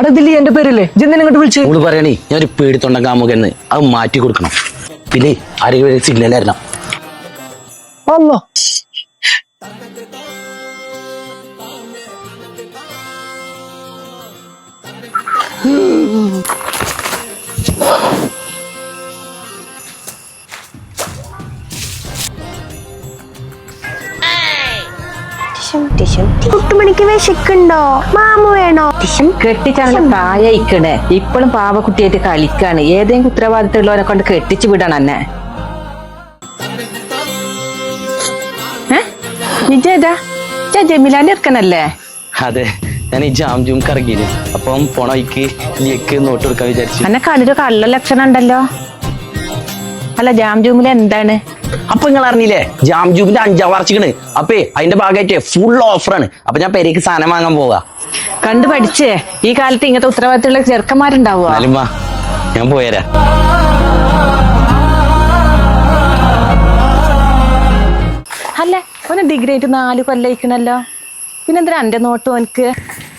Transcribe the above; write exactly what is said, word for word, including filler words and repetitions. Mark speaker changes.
Speaker 1: അവിടെ ഇതില്ലേ എന്റെ പേരല്ലേ ജെന്തിനെ ഇങ്ങോട്ട് വിളിച്ചു
Speaker 2: ഓള് പറയണേ ഞാൻ ഒരു പേടിത്തൊണ്ടൻ കാമുകന്ന് അത് മാറ്റി കൊടുക്കണം. പിന്നെ ആരെങ്കിലും സിഗ്നൽ ആയിരുന്ന
Speaker 1: അല്ലോ
Speaker 3: കുട്ടുമണിക്ക് വിശക്കുണ്ടോ? മാമു വേണോ?
Speaker 4: കെട്ടിച്ചാണ് പ്രായയിക്കണേ. ഇപ്പോഴും പാവക്കുട്ടിയായിട്ട് കളിക്കാണ്. ഏതെങ്കിലും ഉത്തരവാദിത്തമുള്ളവരെ കൊണ്ട് കെട്ടിച്ചു വിടണം എന്നെ. നിജേതാ ജമീലാന്റെ ഇറക്കനല്ലേ?
Speaker 2: അതെ, ഞാൻ ഈ ജാം ജൂം കറങ്ങിയില്ല. അപ്പം പോണ വഴിക്ക് നീക്ക് നോട്ട് കൊടുക്കാൻ വിചാരിച്ചു.
Speaker 4: എന്നെ കണ്ടിട്ട് കള്ള ലക്ഷണം ഉണ്ടല്ലോ. അല്ല ജാം ജൂമിൽ എന്താണ്?
Speaker 2: അപ്പൊ നിങ്ങൾ അറിഞ്ഞില്ലേ ജാം ജൂമിന്റെ അഞ്ചാം വാർഷികണ്. അപ്പേ അതിന്റെ ഭാഗമായിട്ട് ഫുൾ ഓഫറാണ്. അപ്പൊ ഞാൻ പെരേക്ക് സാധനം വാങ്ങാൻ പോവാ.
Speaker 4: കണ്ടു പഠിച്ചേ. ഈ കാലത്ത് ഇങ്ങനത്തെ ഉത്തരവാദിത്തമുള്ള ചെറുക്കന്മാരുണ്ടാവുക.
Speaker 2: ഞാൻ പോയരാ.
Speaker 4: അല്ല ഓന് ഡിഗ്രി ആയിട്ട് നാല് കൊല്ലയിക്കണല്ലോ. പിന്നെന്തിനാ എന്റെ നോട്ട് ഓനക്ക്?